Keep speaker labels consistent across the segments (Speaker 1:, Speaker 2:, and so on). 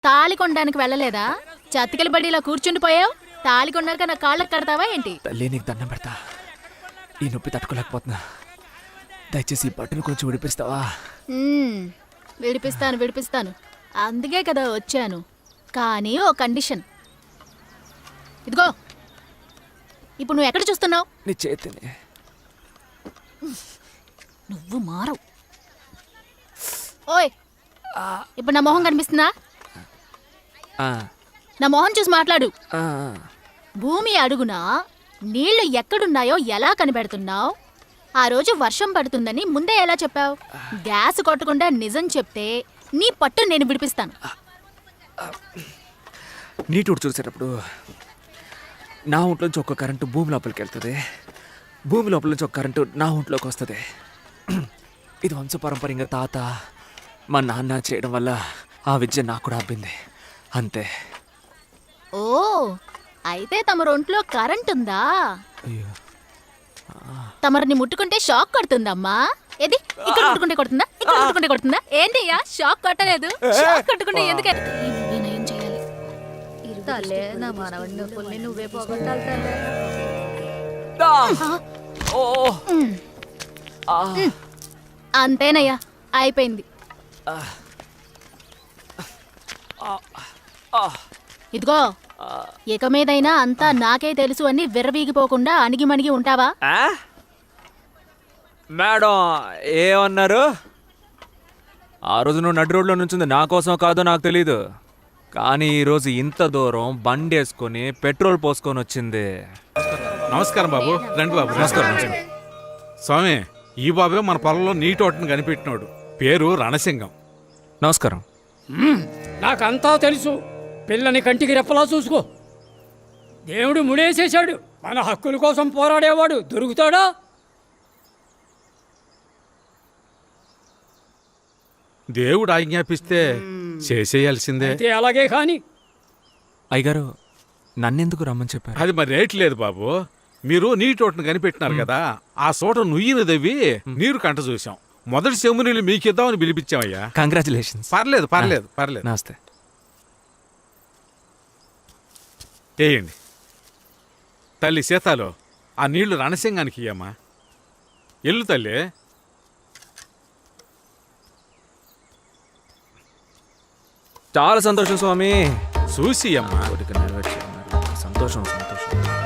Speaker 1: తాళి కొనడానికి వెళ్ళలేదా? చతికిల బడిలా కూర్చుండిపోయావు. తాళి కొన్నాక నా కాళ్ళకి కడతావా ఏంటి?
Speaker 2: తల్లి నీకు దండం పెడతా, ఈ నొప్పి తట్టుకోలేకపోతున్నా. దయచేసి ఈ బట్టను కొంచెం విడిపిస్తావా?
Speaker 1: విడిపిస్తాను. అందుకే కదా వచ్చాను. కానీ ఓ కండిషన్. ఇదిగో, ఇప్పుడు నువ్వు ఎక్కడ చూస్తున్నావు?
Speaker 2: నీ చేతిని.
Speaker 1: నువ్వు మారవు. ఓయ్, ఇప్పుడు నా మొహం కనిపిస్తుందా? నా మొహం చూసి మాట్లాడు. భూమి అడుగునా నీళ్లు ఎక్కడున్నాయో ఎలా కనిపెడుతున్నావు? ఆ రోజు వర్షం పడుతుందని ముందే ఎలా చెప్పావు? గ్యాస్ కొట్టకుండా నిజం చెప్తే నీ పట్టు నేను విడిపిస్తాను.
Speaker 2: నీటి చూసేటప్పుడు నా ఒంట్లోంచి ఒక కరెంటు భూమి లోపలికి వెళ్తుంది, భూమి లోపల నుంచి ఒక కరెంటు నా ఒంట్లోకి వస్తుంది. ఇది వంశపారంపర్యంగా తాత మా నాన్న చేయడం వల్ల ఆ విద్య నాకు కూడా అబ్బింది, అంతే.
Speaker 1: ఓ, అయితే తమ ఒంట్లో కరెంట్ ఉందా?
Speaker 2: అయ్యో,
Speaker 1: తమరిని ముట్టుకుంటే షాక్ కొడుతుందమ్మా. ఏది ఇక్కడ ముట్టుకుంటే కొడుతుందా? ఇక్కడ ముట్టుకుంటే కొడుతుందా? ఏంటయ్యా షాక్ కొట్టలేదు? షాక్ కొట్టుకుంటే ఎందుకే? నేనేం చేయాలి?
Speaker 3: తల్లే, నా మనవడిని పుల్ని నువ్వే పోగొట్టాలి తల్లే.
Speaker 1: అంతేనయ్యా, అయిపోయింది. ఇదిగో, ఇక మీదైనా అంతా నాకే తెలుసు అని విర్రవీగిపోకుండా అణిగిమణిగి ఉంటావా?
Speaker 2: మేడం ఏమన్నారు? ఆ రోజు నువ్వు నడి రోడ్లో నుంచింది నా కోసం కాదో నాకు తెలీదు, కానీ ఈరోజు ఇంత దూరం బండి వేసుకొని పెట్రోల్ పోసుకొని వచ్చింది.
Speaker 4: నమస్కారం బాబు. రండి బాబు.
Speaker 2: నమస్కారం.
Speaker 4: స్వామి, ఈ బాబే మన పొలంలో నీటి ఓటను కనిపెట్టినాడు. పేరు రణసింగం.
Speaker 2: నమస్కారం.
Speaker 5: నాకంతా తెలుసు. పిల్లని కంటికి రెప్పలా చూసుకో. దేవుడు ముడేసేశాడు. మన హక్కుల కోసం పోరాడేవాడు దొరుకుతాడా?
Speaker 4: దేవుడు ఆజ్ఞాపిస్తే చేసేయాల్సిందే.
Speaker 5: అయితే అలాగే కాని.
Speaker 2: అయ్యగారు, నన్నెందుకు రమ్మని చెప్పారు?
Speaker 4: అది మరి రేట్ లేదు బాబు. మీరు నీటి ఓటను కనిపెట్టినారు కదా, ఆ చోట నుయ్యిని దవ్వి నీరు కంట చూసాం. మొదటి చెంబు నీళ్ళు మీకిద్దామని పిలిపించామయ్యా.
Speaker 2: కంగ్రాచులేషన్స్.
Speaker 4: పర్లేదు పర్లేదు పర్లేదు.
Speaker 2: నమస్తే.
Speaker 4: వేయండి. తల్లి సీతాలో ఆ నీళ్లు రణసింగానికి ఇయ్యమ్మా. ఎల్లు తల్లి.
Speaker 2: చాలా సంతోషం స్వామి.
Speaker 4: చూసి అమ్మా.
Speaker 2: సంతోషం సంతోషం.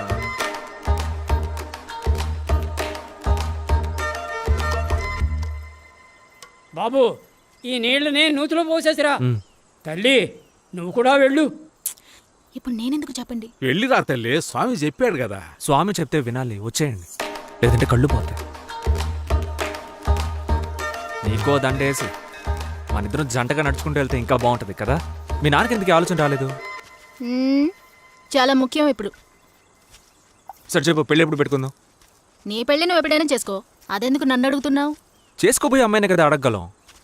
Speaker 5: బాబు, ఈ నీళ్లని నూతిలో పోసేసిరా. తల్లి, నువ్వు కూడా వెళ్ళు.
Speaker 1: ఇప్పుడు నేనెందుకు చెప్పండి?
Speaker 4: వెళ్ళిరా తల్లి, స్వామి చెప్పాడు కదా.
Speaker 2: స్వామి చెప్తే వినాలి, వచ్చేయండి, లేదంటే కళ్ళు పోతాయి. నీకో దండేసి మనిద్దరం జంటగా నడుచుకుంటూ వెళ్తే ఇంకా బాగుంటుంది కదా. మీ నాన్నకి ఎందుకు ఆలోచన రాలేదు?
Speaker 1: చాలా ముఖ్యం ఇప్పుడు.
Speaker 2: సరే చెప్పు, పెళ్ళి ఎప్పుడు పెట్టుకుందాం?
Speaker 1: నీ పెళ్ళి నువ్వు ఎప్పుడైనా చేసుకో, అదెందుకు నన్ను అడుగుతున్నావు?
Speaker 2: చేసుకోబోయే అమ్మాయినే కదా అడగగలం.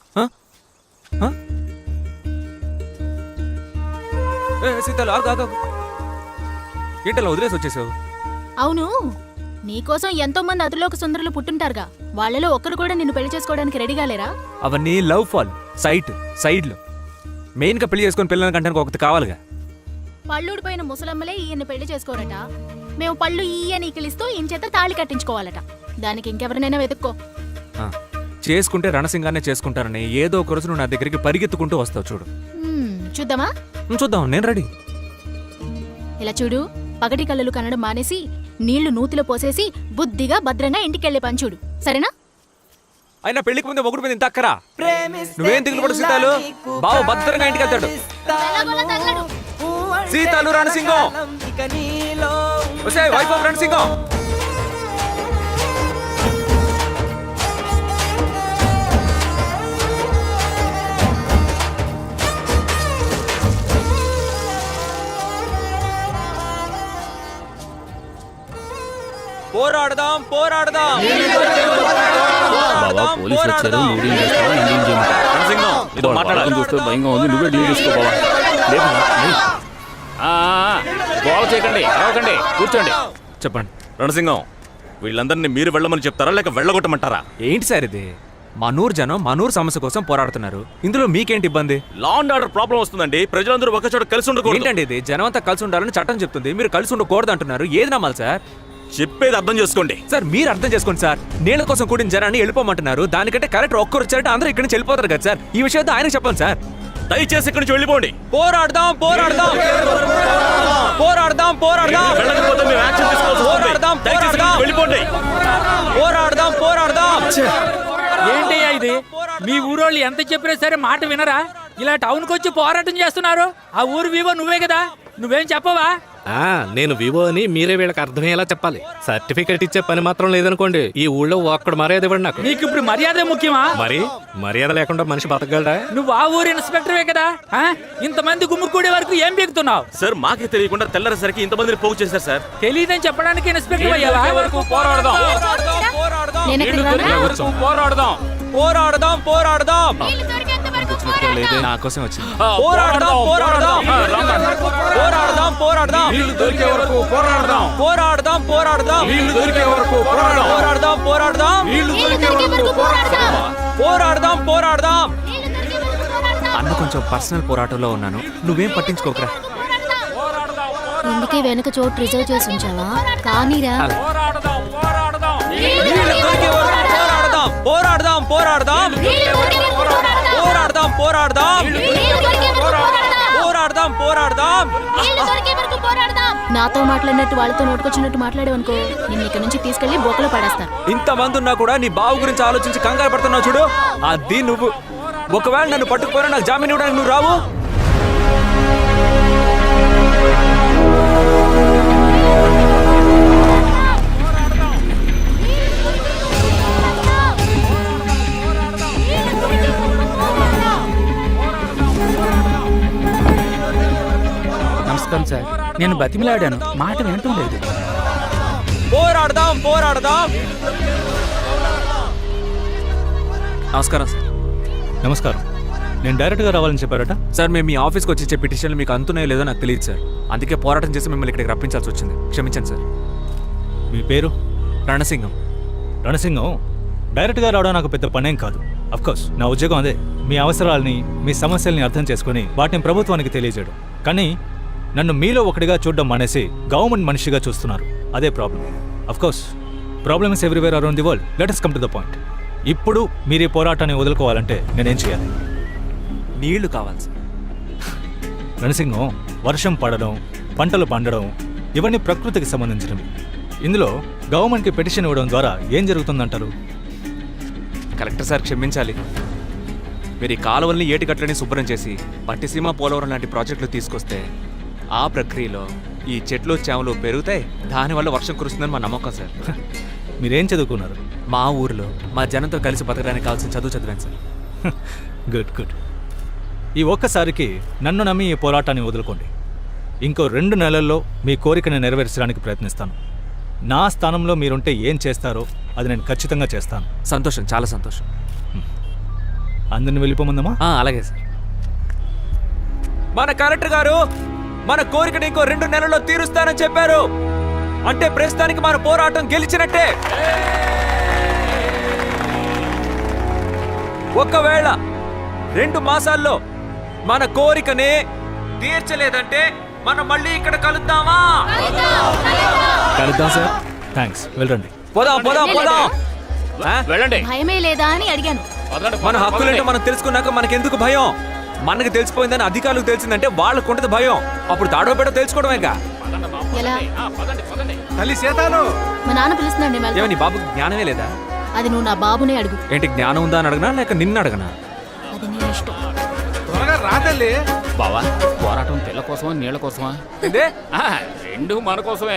Speaker 2: సీతాలు ఏంటలా వదిలేసి వచ్చేసావు?
Speaker 1: అవును, నీకోసం ఎంతో మంది అదులోక సుందరులు పుట్టుంటారుగా, వాళ్ళలో ఒక్కరు కూడా నిన్ను పెళ్లి చేసుకోవడానికి రెడీగా లేరా?
Speaker 2: అవన్నీ లవ్ ఫాల్ సైడ్లో. మెయిన్గా పెళ్లి చేసుకుని పిల్లల కంటే ఒకటి కావాలిగా.
Speaker 1: పళ్ళూడిపోయిన ముసలమ్మలే ఈయన్ని పెళ్లి చేసుకోరట. మేము పళ్ళు ఈయన ఈకిలిస్తూ ఈయన చేత తాళి కట్టించుకోవాలట. దానికి ఇంకెవరినైనా వెతుక్కో.
Speaker 2: చేసుకుంటే రణసింగానే చేసుకుంటారని ఏదో ఒక రోజు నువ్వు నా దగ్గరికి పరిగెత్తుకుంటూ వస్తావు చూడు.
Speaker 1: చూద్దామా?
Speaker 2: చూద్దాం, నేను రెడీ.
Speaker 1: ఇలా చూడు, పగటి కళ్ళలు కనడం మానేసి నీళ్లు నూతిలో పోసేసి బుద్ధిగా భద్రంగా ఇంటికెళ్లే పని చూడు, సరేనా?
Speaker 2: అయినా పెళ్లికి ముందే మొగుడు మీద ఇంత అక్కరా? నువ్వేం దిగులు పడు సీతాలు, బావ భద్రంగా ఇంటికి వెళ్తాడు. Seethalu Ranasingam, wife of Ranasingam. పోరాడదాం పోరాడదాం.
Speaker 6: కూర్చోండి.
Speaker 2: చెప్పండి
Speaker 6: రణసింగం, వీళ్ళందరినీ మీరు వెళ్ళమని చెప్తారా లేక వెళ్ళగొట్టమంటారా?
Speaker 2: ఏంటి సార్ ఇది? మనూరు జనం మనూరు సమస్య కోసం పోరాడుతున్నారు. ఇందులో మీకేంటి ఇబ్బంది?
Speaker 6: లా అండ్ ఆర్డర్ ప్రాబ్లం వస్తుందండి. ప్రజలందరూ ఒక చోట కలిసి ఉండకూడదు.
Speaker 2: ఏంటండి ఇది? జనం అంతా కలిసి ఉండాలని చట్టం చెప్తుంది, మీరు కలిసి ఉండకూడదు అంటున్నారు. ఏది నమ్మాలి సార్?
Speaker 6: చెప్పేది అర్థం చేసుకోండి.
Speaker 2: సార్ మీరు అర్థం చేసుకోండి సార్. నీళ్ళ కోసం కూడిన జనాన్ని వెళ్ళిపోమంటున్నారు. దానికంటే కరెక్ట్ ఒక్కరు వచ్చారంటే అందరూ ఇక్కడి నుంచి వెళ్ళిపోతారు కదా సార్. ఈ విషయంతో ఆయనకు చెప్పండి సార్.
Speaker 6: దయచేసి ఇక్కడి నుంచి వెళ్ళిపోండి.
Speaker 2: పోరాడదాం పోరాడదాం పోరాడదాం పోరాడదాం
Speaker 6: వెళ్ళకపోతే మేము యాక్షన్ తీసుకోవాల్సి వస్తుంది.
Speaker 2: పోరాడదాం
Speaker 6: దయచేసి ఇక్కడి నుంచి వెళ్ళిపోండి.
Speaker 2: పోరాడదాం పోరాడదాం.
Speaker 5: ఏంటయ్యా ఇది? మీ ఊరోళ్ళు ఎంత చెప్పినా సరే మాట వినరా? ఇలా టౌన్కి వచ్చి పోరాటం చేస్తున్నారు. ఆ ఊరు వివో నువ్వే కదా, నువ్వేం చెప్పవా?
Speaker 7: నేను వివో అని మీరే వీళ్ళకి అర్థమయ్యేలా చెప్పాలి. సర్టిఫికెట్ ఇచ్చే పని మాత్రం లేదనుకోండి, ఈ ఊళ్ళో ఒక్కడ మర్యాద ఇవ్వండి నాకు.
Speaker 5: నీకు ఇప్పుడు మర్యాద ముఖ్యమా?
Speaker 7: మరి మర్యాద లేకుండా మనిషి బతకగలడా?
Speaker 5: నువ్వు ఆ ఊరు ఇన్స్పెక్టర్వే కదా, ఇంతమంది గుమ్ముకూడే వరకు ఏం పీకుతున్నావు?
Speaker 6: సార్ మాకే తెలియకుండా తెల్లరేసరికి ఇంతమందిని పోగు చేశారు సార్.
Speaker 5: తెలియదని చెప్పడానికి ఇన్స్పెక్టర్ అయ్యావా?
Speaker 6: పోరాడదాం.
Speaker 1: నేను ఎక్కడికి రానా?
Speaker 6: పోరాడదాం.
Speaker 2: పోరాడదాం పోరాడదాం.
Speaker 1: నీళ్లు దొరికేంత వరకు పోరాడదాం.
Speaker 2: నా కోసం వచ్చింది.
Speaker 6: పోరాడదాం.
Speaker 2: పోరాడదాం పోరాడదాం పోరాడదాం.
Speaker 4: నీళ్లు దొరికే వరకు పోరాడదాం.
Speaker 2: పోరాడదాం పోరాడదాం.
Speaker 4: నీళ్లు దొరికే వరకు పోరాడదాం.
Speaker 2: పోరాడదాం పోరాడదాం.
Speaker 4: నీళ్లు
Speaker 1: నీళ్లు
Speaker 4: దొరికే
Speaker 1: దొరికే
Speaker 4: వరకు
Speaker 1: వరకు పోరాడదాం.
Speaker 2: పోరాడదాం పోరాడదాం.
Speaker 1: నీళ్లు దొరికే వరకు పోరాడదాం.
Speaker 2: అన్న కొంచెం పర్సనల్ పోరాటంలో ఉన్నాను, నువ్వేం పట్టించుకోకరా.
Speaker 1: ఇందుకే వెనక చోటు రిజర్వ్ చేసి ఉంచావా? కానీరా.
Speaker 4: పోరాడదాం. పోరాడదాం.
Speaker 2: నీళ్ళు దొరికే వరకు పోరాడదాం పోరాడదాం పోరాడదాం
Speaker 1: నీళ్లు దొరికే వరకు పోరాడదాం.
Speaker 2: పోరాడదాం పోరాడదాం
Speaker 1: నీళ్లు దొరికే వరకు పోరాడదాం.
Speaker 2: పోరాడదాం పోరాడదాం.
Speaker 1: నీళ్లు దొరికే వరకు పోరాడదాం. నాతో మాట్లాడినట్టు వాళ్ళతో నోటుకొచ్చినట్టు మాట్లాడేవనుకో, నిన్ను ఇక్కడ నుంచి తీసుకెళ్లి బొక్కలో పడేస్తాను.
Speaker 2: ఇంతమంది ఉన్నా కూడా నీ బావు గురించి ఆలోచించి కంగారు పడుతున్నావు చూడు, అది నువ్వు. ఒకవేళ నన్ను పట్టుకుపోయినా నాకు జామీన్ ఇవ్వడానికి నువ్వు రావు.
Speaker 5: నమస్కారం సార్, నేను బతిమిలాడాను, మాట వినటం లేదు.
Speaker 2: పోరాడదాం పోరాడదాం. నమస్కారం సార్.
Speaker 7: నమస్కారం. నేను డైరెక్ట్గా రావాలని చెప్పారట.
Speaker 2: సార్ మేము మీ ఆఫీస్కి వచ్చి ఇచ్చే పిటిషన్లు మీకు అందుతున్నాయో లేదో నాకు తెలియదు సార్. అందుకే పోరాటం చేసి మిమ్మల్ని ఇక్కడికి రప్పించాల్సి వచ్చింది. క్షమించండి సార్.
Speaker 7: మీ పేరు?
Speaker 2: రణసింగం.
Speaker 7: రణసింగం. డైరెక్ట్గా రావడం నాకు పెద్ద పనేం కాదు. అఫ్కోర్స్ నా ఉద్యోగం అదే, మీ అవసరాలని మీ సమస్యల్ని అర్థం చేసుకుని వాటిని ప్రభుత్వానికి తెలియజేయడం. కానీ నన్ను మీలో ఒకటిగా చూడడం మానేసి గవర్నమెంట్ మనిషిగా చూస్తున్నారు. అదే problem. Of course problem is everywhere around the world. Let us come to the point. ఇప్పుడు మీరు ఈ పోరాటాన్ని వదులుకోవాలంటే నేనేం చేయాలి?
Speaker 2: నీళ్లు కావాలి సార్.
Speaker 7: రణసింగం, వర్షం పడడం, పంటలు పండడం ఇవన్నీ ప్రకృతికి సంబంధించినవి. ఇందులో గవర్నమెంట్కి పిటిషన్ ఇవ్వడం ద్వారా ఏం జరుగుతుందంటారు?
Speaker 2: కలెక్టర్ సార్ క్షమించాలి. మీరు ఈ కాలువల్ని ఏటికట్లని శుభ్రం చేసి పట్టిసీమ పోలవరం లాంటి ప్రాజెక్టులు తీసుకొస్తే ఆ ప్రక్రియలో ఈ చెట్లు చేమలు పెరుగుతాయి, దానివల్ల వర్షం కురుస్తుందని మా నమ్మకం సార్.
Speaker 7: మీరేం చదువుకున్నారు?
Speaker 2: మా ఊరిలో మా జనంతో కలిసి బతకడానికి కావాల్సిన చదువు చదివాను సార్.
Speaker 7: Good good. ఈ ఒక్కసారికి నన్ను నమ్మి ఈ పోరాటాన్ని వదులుకోండి. ఇంకో 2 నెలల్లో మీ కోరికను నెరవేర్చడానికి ప్రయత్నిస్తాను. నా స్థానంలో మీరుంటే ఏం చేస్తారో అది నేను ఖచ్చితంగా చేస్తాను.
Speaker 2: సంతోషం, చాలా సంతోషం.
Speaker 7: అందరిని వెళ్ళిపోమందమా?
Speaker 2: అలాగే సార్. మన కలెక్టర్ గారు మన కోరికను ఇంకో 2 నెలల్లో తీరుస్తానని చెప్పారు. అంటే ప్రస్తుతానికి మన పోరాటం గెలిచినట్టే. ఒకవేళ 2 మాసాల్లో మన కోరికనే తీర్చలేదంటే మనం మళ్ళీ ఇక్కడ కలుద్దామా?
Speaker 7: కలుద్దాం సార్. థ్యాంక్స్. వెళ్ళండి.
Speaker 2: పోదాం పోదాం పోదాం.
Speaker 6: వెళ్ళండి.
Speaker 1: భయమే లేదా అని అడిగాను.
Speaker 2: మన హక్కులేంటో మనం తెలుసుకున్నాక మనకెందుకు భయం? మనకు తెలిసిపోయిందని అధికారులకు తెలిసిందంటే వాళ్ళకు ఉంటుంది భయం. అప్పుడు తాడో పెడో తెలుసుకోవడమేగా.
Speaker 1: ఎలా?
Speaker 4: తల్లి సీతాలు.
Speaker 1: మా నాన్న పిలుస్తున్నాడు, నేను వెళ్తాను.
Speaker 2: ఏమో నీ బాబుకి జ్ఞానమే లేదా?
Speaker 1: అది నువ్వు నా బాబునే అడుగు.
Speaker 2: ఏంటి జ్ఞానం ఉందా అని అడగనా లేక నిన్ను అడగనా?
Speaker 1: అది నీ ఇష్టం.
Speaker 4: త్వరగా రా తల్లి.
Speaker 6: బావా, పోరాటం తెల్ల కోసమా నీళ్ళ కోసమా?
Speaker 2: ఏందే?
Speaker 6: రెండు మన కోసమే.